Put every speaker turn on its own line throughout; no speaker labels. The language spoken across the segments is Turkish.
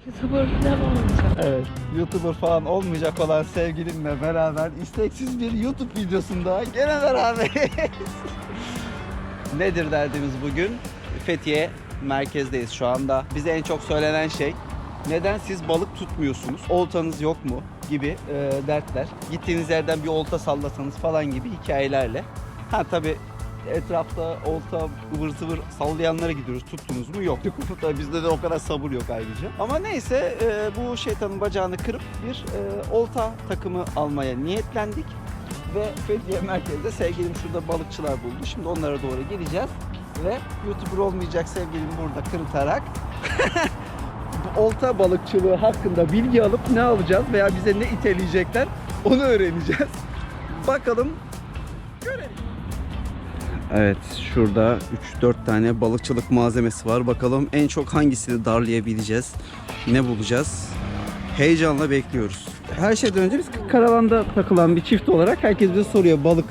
YouTuber falan olmayacak.
Evet, YouTuber falan olmayacak olan sevgilimle beraber isteksiz bir YouTube videosunda gene beraberiz. Nedir derdimiz bugün? Fethiye merkezdeyiz şu anda. Bize en çok söylenen şey, neden siz balık tutmuyorsunuz? Oltanız yok mu? Gibi dertler. Gittiğiniz yerden bir olta sallasanız falan gibi hikayelerle. Ha tabii etrafta olta ıvır zıvır sallayanlara gidiyoruz. Tuttunuz mu? Yok. Tabii bizde de o kadar sabır yok ayrıca. Ama neyse bu şeytanın bacağını kırıp bir olta takımı almaya niyetlendik. Ve Fethiye merkezde sevgilim şurada balıkçılar buldu. Şimdi onlara doğru geleceğiz. Ve YouTuber olmayacak sevgilim burada kırıtarak olta balıkçılığı hakkında bilgi alıp ne alacağız veya bize ne iteleyecekler onu öğreneceğiz. Bakalım, görelim. Evet, şurada 3-4 tane balıkçılık malzemesi var. Bakalım en çok hangisini darlayabileceğiz, ne bulacağız? Heyecanla bekliyoruz. Her şeyden önce biz karavanda takılan bir çift olarak herkes bize soruyor balık.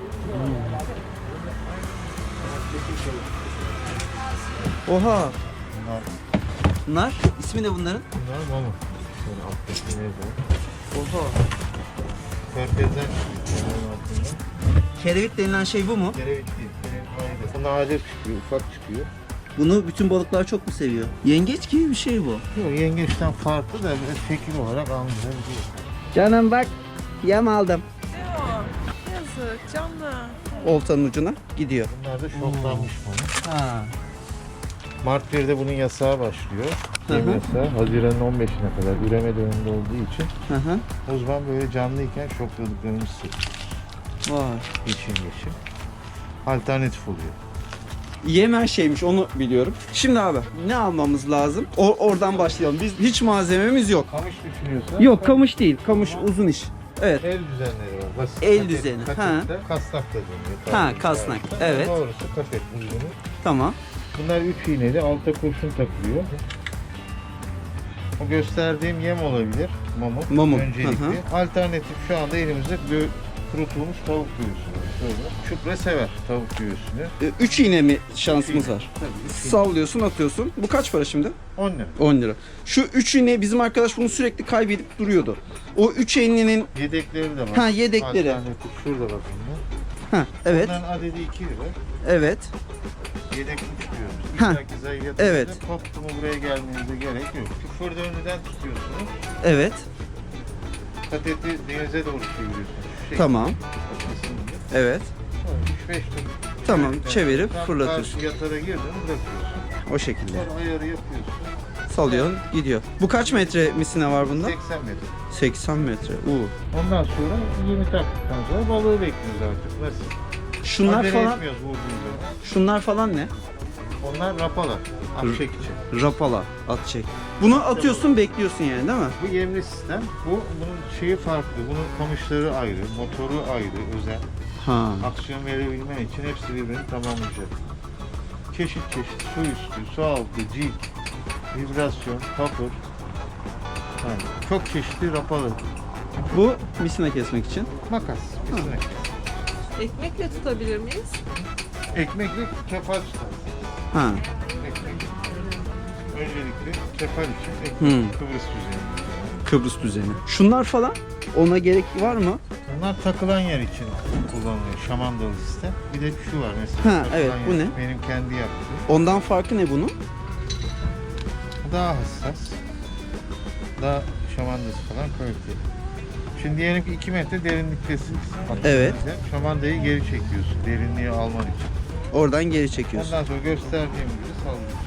Oha! Nar. İsmi ne bunların?
Bunlar mama. Şöyle alttaki neydi?
Oha.
Körfezden çıkıyor altında.
Kerevit denilen şey bu mu?
Kerevit değil. Kerevit maydı. Bu nadir çıkıyor, ufak çıkıyor.
Bunu bütün balıklar çok mu seviyor? Yengeç gibi bir şey bu.
Yok, yengeçten farklı da biraz şekil olarak anlayabiliyor.
Canım bak, yem aldım.
Ne o? Yazık canlı.
Oltanın ucuna gidiyor.
Bunlar da şoklanmış mama.
Ha.
Mart 1'de bunun yasağı başlıyor.
Hı hı.
Yem yasağı. Haziran'ın 15'ine kadar üreme döneminde olduğu için
Hı hı.
uzman böyle canlıyken şokladıklarımız
Vay.
geçim. Alternatif oluyor.
Yem her şeymiş, onu biliyorum. Şimdi abi ne almamız lazım? Oradan başlayalım. Biz hiç malzememiz yok.
Kamış düşünüyorsan.
Yok, kamış değil. Kamış uzun iş. Evet.
El düzenleri var. Basit.
El
Katet-
düzeni,
katette
ha.
Kasnak da deniyor.
Ha,
Tabiri
kasnak,
caizse.
evet.
Doğrusu katet uzunu.
Tamam.
Bunlar 3 iğneli, alta kurşun takılıyor. O gösterdiğim yem olabilir. Mamut.
Mamut,
Öncelikli.
hı hı.
Alternatif şu anda elimizde kurutulmuş tavuk göğüsü var. Şöyle. Şükre sever tavuk göğüsünü.
3 iğne mi şansımız var?
Tabii. 3 iğne.
Sallıyorsun, atıyorsun. Bu kaç para şimdi?
10 lira.
10 lira. Şu 3 iğne bizim arkadaş bunu sürekli kaybedip duruyordu. O 3 iğnenin
Yedekleri de var.
Ha, yedekleri.
Alternatif şurada bak bunlar.
ha evet.
Bunların adedi 2 lira.
Evet.
Yedek tutuyoruz.
Ha,
İllaki zayiatınızda
evet.
koptu mu buraya gelmenize gerek yok. Küfür döndüden tutuyorsunuz.
Evet.
Kateti denize doğru çeviriyorsunuz. Şu şekilde.
Tamam.
Kafasını.
Evet.
3-5 tur.
Tamam,
Evet,
çevirip
tam
fırlatıyorsun.
karşı yatara girdin bırakıyorsun.
O şekilde.
Sonra ayarı yapıyorsun.
Salıyorsun, gidiyor. Bu kaç metre misina var bunda?
80 metre.
80 metre.
Ondan sonra 20 taktıktan sonra balığı bekliyoruz artık. Nasıl?
Şunlar
Acele
falan,
etmiyoruz vurduğunda.
şunlar falan ne?
Onlar rapalar. Akşek için.
Rapala, at çek. Bunu atıyorsun, bekliyorsun yani, değil mi?
Bu yemli sistem. Bunun şeyi farklı. Bunun kamışları ayrı, motoru ayrı, özel.
Ha.
Aksiyon verebilmen için hepsi birbirini tamamlayacak. Çeşit çeşit su üstü, su altı, cik, vibrasyon, kapır. Yani çok çeşitli rapalı.
Bu misina kesmek için.
Makas, kesinlikle.
Ekmekle tutabilir miyiz?
Ekmekle kefal tutar.
Ha.
Ekmek. Öncelikle kefal için ekmek, Kıbrıs düzeni.
Kıbrıs düzeni. Şunlar falan ona gerek var mı?
Bunlar takılan yer için kullanılıyor. Şamandalı sistem. Bir de şu var mesela.
Ha,
takılan
evet, bu
yer.
ne?
Benim kendi yaptığım.
Ondan farkı ne bunun?
Daha hassas. Daha şamandası falan kaliteli. Şimdi diyelim ki 2 metre derinliktesin.
Evet.
Şamandayı geri çekiyorsun derinliği alman için.
Oradan geri çekiyorsun.
Ondan sonra gösterdiğim gibi sallıyorsun.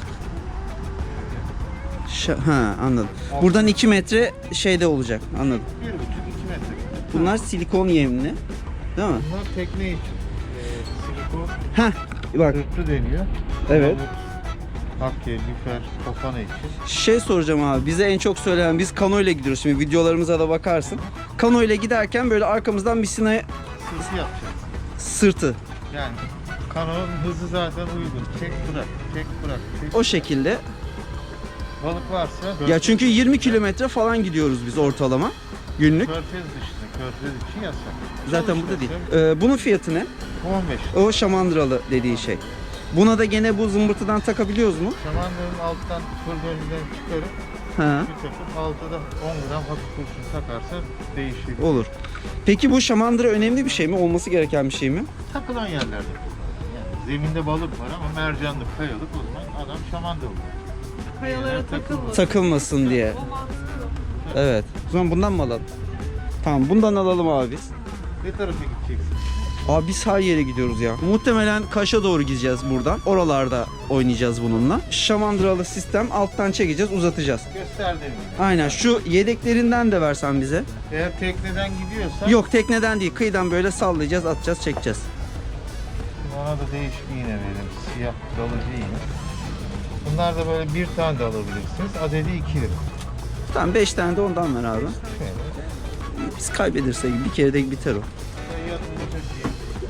Ha, anladım. Buradan 2 metre şeyde olacak. Anladım.
1,5-2 metre.
Bunlar silikon yemli. Değil mi?
Bunlar tekne için. Silikon
Ha, bak.
sırtlı deniyor.
Evet.
Hakke, lüfer, kofana için.
Şey soracağım abi, bize en çok söylenen, biz kano ile gidiyoruz, şimdi videolarımıza da bakarsın. Kano ile giderken böyle arkamızdan misinaya
Sırtı yapacağız.
sırtı,
Yani kanonun hızı zaten uygun. Çek bırak, çek bırak. Çek.
o şekilde.
Balık varsa
Ya çünkü 20 kilometre falan gidiyoruz biz ortalama günlük.
Körfez dışında, körfez için yasak.
Zaten burada değil. Bunun fiyatı ne?
Bu 15.
O şamandıralı dediği şey. Buna da gene bu zımbırtıdan takabiliyoruz mu?
Şamandırın alttan fırdönüden çıkarıp
Ha.
bir takıp altta da 10 gram hafif kurşun takarsa değişir.
Olur. Peki bu şamandıra önemli bir şey mi? Olması gereken bir şey mi?
Takılan yerlerde kullanılır. Yani zeminde balık var ama mercanlık, kayalık, o zaman adam şamandıra olur.
Kayalara takılmasın.
Takılmasın diye.
O mantıklı.
Evet. O zaman bundan mı alalım? Tamam, bundan alalım abi biz.
Ne tarafa gideceksin?
Abi biz her yere gidiyoruz ya. Muhtemelen Kaş'a doğru gideceğiz buradan. Oralarda oynayacağız bununla. Şamandıralı sistem, alttan çekeceğiz, uzatacağız.
Gösterdim yine.
Aynen, şu yedeklerinden de versen bize.
Eğer tekneden gidiyorsan
Yok, tekneden değil, kıyıdan böyle sallayacağız, atacağız, çekeceğiz.
ona da değişik iğne verelim. Siyah dalıcı iğne. Bunlar da böyle bir tane de alabilirsiniz. Adedi 2 lira.
Tamam, 5 tane de ondan ver abi.
Şöyle.
Biz kaybedersek bir kere de biter o.
Yanılacak değil.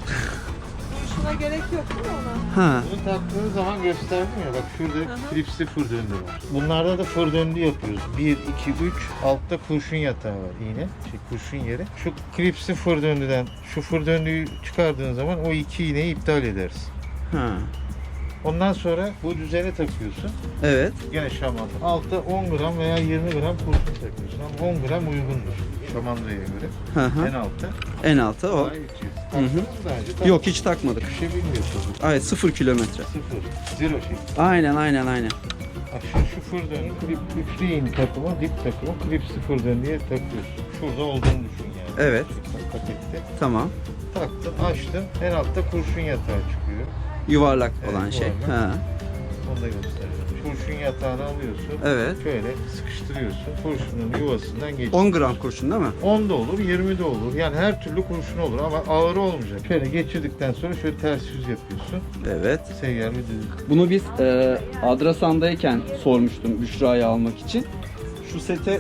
Şuna gerek yok değil mi ona?
Ha.
Bunu taktığınız zaman gösterdim ya, bak şurada
Aha.
klipsli fır döndü var. Bunlarda da fır döndü yapıyoruz. 1, 2, 3, altta kurşun yatağı var iğne. Kurşun yeri. Şu klipsli fır döndüden şu fır döndüyü çıkardığın zaman o 2 iğneyi iptal ederiz.
Ha.
Ondan sonra bu düzene takıyorsun.
Evet.
Gene şamandıra. Altta 10 gram veya 20 gram kurşun takıyorsun. Ama 10 gram uygundur şamandıraya göre.
Hı hı.
En altta.
En altı o.
Daha yetiyor. Taktınız mı daha önce?
Yok, hiç takmadık.
Bir şey bilmiyorsunuz.
Evet, 0 kilometre.
Sıfır. Zero şey.
Aynen, aynen, aynen.
Bak şu fır dönü, üçlü iğne takımı, dip takımı, klip sıfır dön diye takıyorsun. Şurada olduğunu düşün yani.
Evet.
Pakette.
Tamam.
Taktın, açtın. En altta kurşun yatağı çıkıyor.
Yuvarlak
Evet,
olan şey.
yuvarlak.
Ha.
Onu da göstereceğim. Kurşun yatağını alıyorsun.
Evet.
Şöyle sıkıştırıyorsun. Kurşunun yuvasından geçiyor.
10 gram kurşun değil mi?
10 da olur, 20 de olur. Yani her türlü kurşun olur ama ağır olmayacak. Şöyle geçirdikten sonra şöyle ters yüz yapıyorsun.
Evet.
Seyyar bir düz.
Bunu biz Adrasan'dayken sormuştum Büşra'yı almak için. Şu sete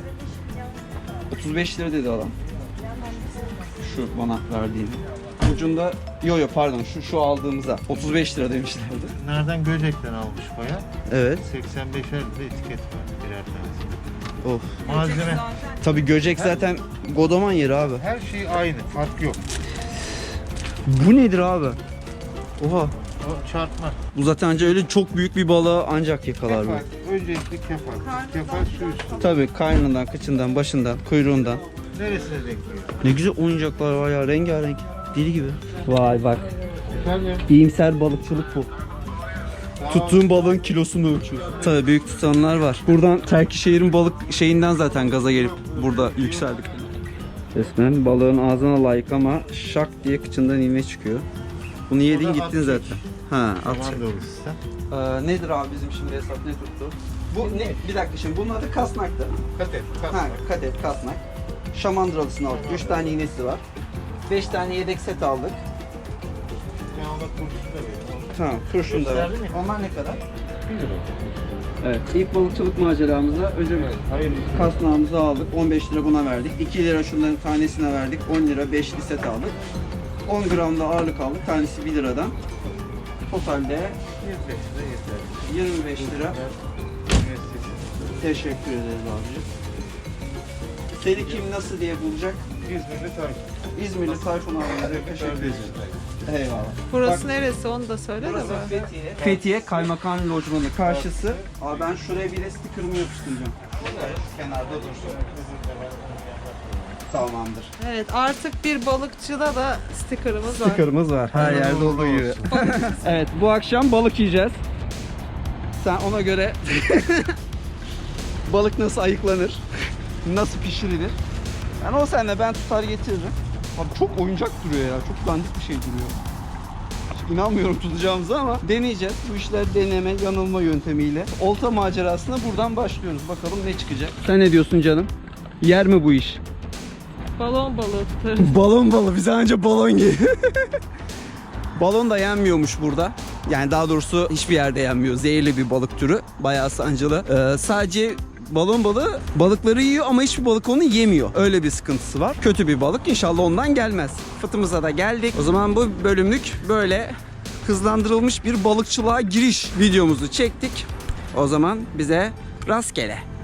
35 lira dedi adam. Şu bana verdiğini. Ucunda, pardon, şu aldığımıza 35 lira demişlerdi.
Nereden Göcek'ten almış baya.
Evet.
85'er de etiket var birer tanesi.
Of.
Malzeme.
Tabii Göcek zaten Godoman yeri abi.
Her şey aynı, fark yok.
Bu nedir abi? Oha.
O çarpma.
Bu zaten anca öyle çok büyük bir balığı ancak yakalar bu.
Kefal. Öncelikle kefal. Kefal su üstü.
Tabii karnından, kıçından, başından, kuyruğundan.
Neresine denk geliyor?
Ne güzel oyuncaklar var ya, rengarenk. Deli gibi. Vay bak.
Efendim?
İyimser balıkçılık bu. Tuttuğun balığın kilosunu ölçüyorsun. Tabii büyük tutanlar var. Buradan Terkişehir'in balık şeyinden zaten gaza gelip burada yükseldik. Resmen balığın ağzına layık ama şak diye kıçından ilme çıkıyor. Bunu yedin
O da
gittin
at
zaten. Ha, at.
Şamandıralı sistem.
Nedir abi bizim şimdi hesap ne tuttu? Bu ne? Bir dakika, şimdi bunun adı kasnaktı.
Katet,
Ha, kadet, kasnak. Şamandıralısını aldık. 3 tane iğnesi var. 5 tane yedek set aldık.
Ya ona kurşun da verin.
Tamam, kurşun da var.
Gösterdin mi?
Onlar ne kadar?
1 lira.
Evet, ilk balıkçılık maceramızda önce
Hayır.
kasnağımızı aldık. 15 lira buna verdik. 2 lira şunların tanesine verdik. 10 lira 5'li set aldık. 10 gram da ağırlık aldık. Tanesi 1 liradan. Totalde
25 lira yeter.
25 lira.
Üniversitesi.
Teşekkür ederiz abicim. Seni kim nasıl diye bulacak?
İzmirli Tayfun.
İzmirli Tayfun abimize teşekkür ederiz. Eyvallah.
Burası
Bak,
neresi onu da söyle de
Burası
bana.
Fethiye. Fethiye Kaymakam Lojmanı karşısı. Abi ben şuraya bir de sticker'ımı yapıştıracağım. Kenarda dursun. Tamamdır.
Evet, artık bir balıkçıda da sticker'ımız var.
Sticker'ımız var. Her yerde olduğu gibi. Evet, bu akşam balık yiyeceğiz. Sen ona göre balık nasıl ayıklanır, nasıl pişirilir. Yani o senle ben tutar getiririm. Abi çok oyuncak duruyor ya. Çok dandik bir şey duruyor. Hiç İnanmıyorum tutacağımıza ama deneyeceğiz. Bu işler deneme, yanılma yöntemiyle. Olta macerasına buradan başlıyoruz. Bakalım ne çıkacak. Sen ne diyorsun canım? Yer mi bu iş?
Balon balığı tutarız.
Balon balı. Bize anca balon geliyor. Balon da yenmiyormuş burada. Yani daha doğrusu hiçbir yerde yenmiyor. Zehirli bir balık türü. Bayağı sancılı. Sadece balon balığı balıkları yiyor ama hiçbir balık onu yemiyor. Öyle bir sıkıntısı var. Kötü bir balık. İnşallah ondan gelmez. Fıtımıza da geldik. O zaman bu bölümlük böyle hızlandırılmış bir balıkçılığa giriş videomuzu çektik. O zaman bize rastgele.